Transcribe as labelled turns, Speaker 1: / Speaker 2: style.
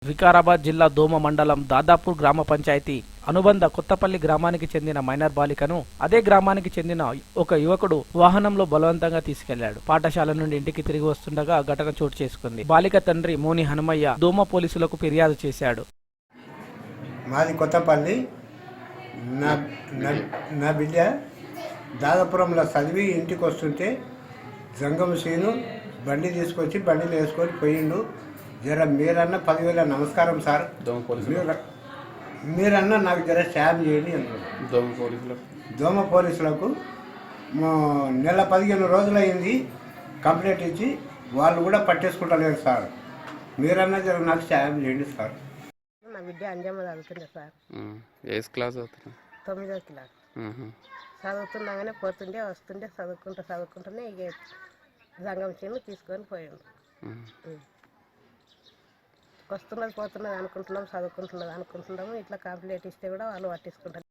Speaker 1: వికారాబాద్ జిల్లా దోమ మండలం దాదాపూర్ గ్రామ పంచాయతీ అనుబంధ కొత్తపల్లి గ్రామానికి చెందిన మైనర్ బాలికను అదే గ్రామానికి చెందిన ఒక యువకుడు వాహనంలో బలవంతంగా తీసుకెళ్లాడు. పాఠశాల నుండి ఇంటికి తిరిగి వస్తుండగా ఘటన చోటు చేసుకుంది. బాలిక తండ్రి మోని హనుమయ్య దోమ పోలీసులకు ఫిర్యాదు చేశాడు.
Speaker 2: మాది కొత్తపల్లి. నా బిడ్డ దాదాపురంలో చదివి ఇంటికి వస్తుంటే జంగం సీను బండి తీసుకొచ్చి బండిలో వేసుకొని పోయిండు. జర మీరన్నా 10,000 నమస్కారం సార్, మీరన్నా నాకు జర సాయం చేయండి అన్నారు. దోమ పోలీసులకు నెల 15 రోజులైంది కంప్లైంట్ ఇచ్చి, వాళ్ళు కూడా పట్టేసుకుంటలేరు సార్. మీరన్నా జర నాకు సాయం చేయండి సార్.
Speaker 3: నా బిడ్డ అంజమ్మ చదువుతుంది సార్.
Speaker 4: ఏ క్లాస్ అవుతుంది?
Speaker 3: 9వ క్లాస్ చదువుతున్నాగానే పోతుండే వస్తుండే చదువుకుంటూనే ఇక జంగం చిన్న తీసుకొని పోయాడు. వస్తున్నది పోతున్నది అనుకుంటున్నాం, చదువుకుంటున్నది అనుకుంటున్నాము. ఇట్లా కంప్లైంట్ ఇస్తే కూడా వాళ్ళు పట్టించుకుంటారు.